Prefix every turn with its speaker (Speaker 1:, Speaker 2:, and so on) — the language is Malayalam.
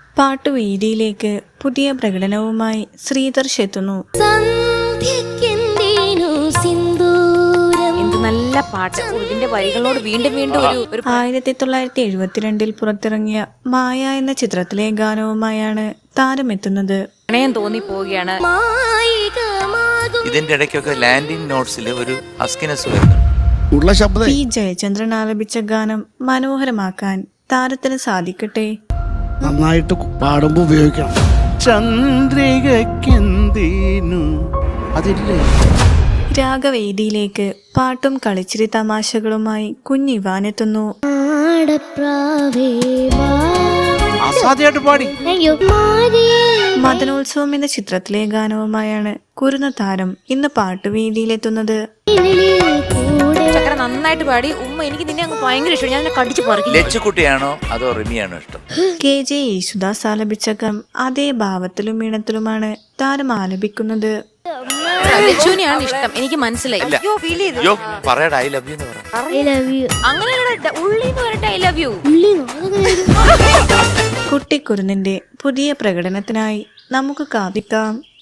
Speaker 1: പാട്ടുവേദിയിലേക്ക് പുതിയ പ്രകടനവുമായി ശ്രീധർഷ് എത്തുന്നു.
Speaker 2: നല്ല പാട്ട്, ഇതിന്റെ വരികളോട് വീണ്ടും വീണ്ടും
Speaker 1: 1972 പുറത്തിറങ്ങിയ മായ എന്ന ചിത്രത്തിലെ ഗാനവുമായാണ് താരമെത്തുന്നത്.
Speaker 2: പ്രണയം തോന്നിപ്പോവുകയാണ്.
Speaker 3: ഇതിന്റെ ഇടയ്ക്കൊക്കെ ലാൻഡിംഗ് നോട്ട്സിൽ ഒരു അസ്കിനസ് വരുന്നു.
Speaker 1: പി ജയചന്ദ്രൻ ആലപിച്ച ഗാനം മനോഹരമാക്കാൻ താരത്തിന് സാധിക്കട്ടെ.
Speaker 4: നന്നായിട്ട് പാടുമ്പോ ഉപയോഗിക്കണം. ചന്ദ്രികക്കെന്തീനു അതില്ലേ.
Speaker 1: രാഗവേദിയിലേക്ക് പാട്ടും കളിച്ചിരി തമാശകളുമായി കുഞ്ഞിവാനെത്തുന്നു.
Speaker 4: അസാധ്യമായിട്ട് പാടി.
Speaker 1: മദനോത്സവം എന്ന ചിത്രത്തിലെ ഗാനവുമായാണ് കുരുന്ന താരം ഇന്ന് പാട്ടുവേദിയിലെത്തുന്നത്.
Speaker 2: നന്നായിട്ട് പാടി. ഉമ്മ, എനിക്ക് നിന്നെ അങ്ങ് ഭയങ്കര ഇഷ്ടം. ഞാൻ കടിച്ചു പറിക്കും.
Speaker 3: ലച്ചുകുട്ടിയാണോ അതോ റിമിയാണോ ഇഷ്ടം?
Speaker 1: KJ യേശുദാസ് ആലപിച്ച ഗാനം അതേ ഭാവത്തിലും ഈണത്തിലുമാണ് താരം ആലപിക്കുന്നത്.
Speaker 2: ലച്ചുവിനെയാണ് ഇഷ്ടം, എനിക്ക് മനസ്സിലായി.
Speaker 3: പറയടാ ഐ ലവ് യു എന്ന് പറ.
Speaker 2: അങ്ങനെ ഉള്ളിന്ന് വരട്ടെ ഐ ലവ് യു.
Speaker 1: കുട്ടിക്കുരുന്നിന്റെ പുതിയ പ്രകടനത്തിനായി നമുക്ക് കാത്തിരിക്കാം.